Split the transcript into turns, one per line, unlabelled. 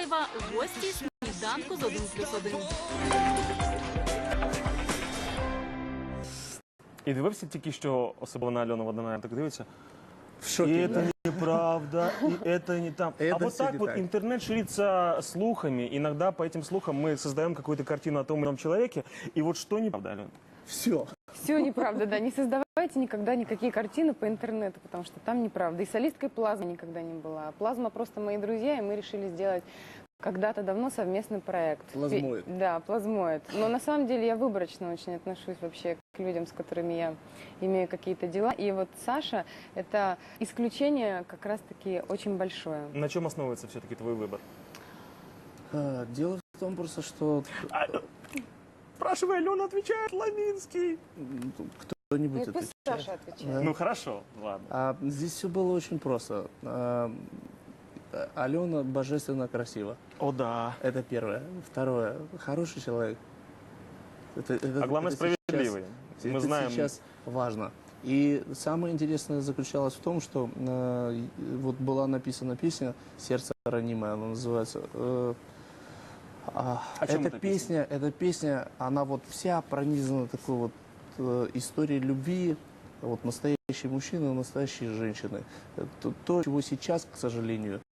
Миколаєва, гості сніданку з 1+1.
І дивився тільки що, особливо на Альону Водонаєв, так дивиться.
В шоке,
И
да?
это неправда, и это не там.
Это
А вот
всё
так
не
вот
так.
интернет ширится слухами. Иногда по этим слухам мы создаем какую-то картину о том или ином человеке. И вот что неправда, Алена?
Все.
Все неправда, да. Не создавайте никогда никакие картины по интернету, потому что там неправда. И солисткой Плазмы никогда не была. Плазма просто мои друзья, и мы решили сделать когда-то давно совместный проект.
Плазмоид.
Да, плазмоид. Но на самом деле я выборочно очень отношусь вообще к людям, с которыми я имею какие-то дела. И вот Саша – это исключение как раз-таки очень большое.
На чем основывается все-таки твой выбор?
Дело в том просто, что
Спрашивай, Алена отвечает, Ламинский.
кто-нибудь
Ну, пусть
отвечает.
Саша отвечает.
Да.
Ну хорошо, ладно.
Здесь все было очень просто. Алена божественно красива.
О да.
Это первое. Второе. Хороший человек.
А главное,
это
справедливый.
Сейчас,
Мы
это
знаем.
сейчас важно. И самое интересное заключалось в том, что вот была написана песня «Сердце ранимое», она называется.
О чем
Эта песня, она вот вся пронизана такой вот историей любви, вот настоящие мужчины, настоящие женщины. То, чего сейчас, к сожалению,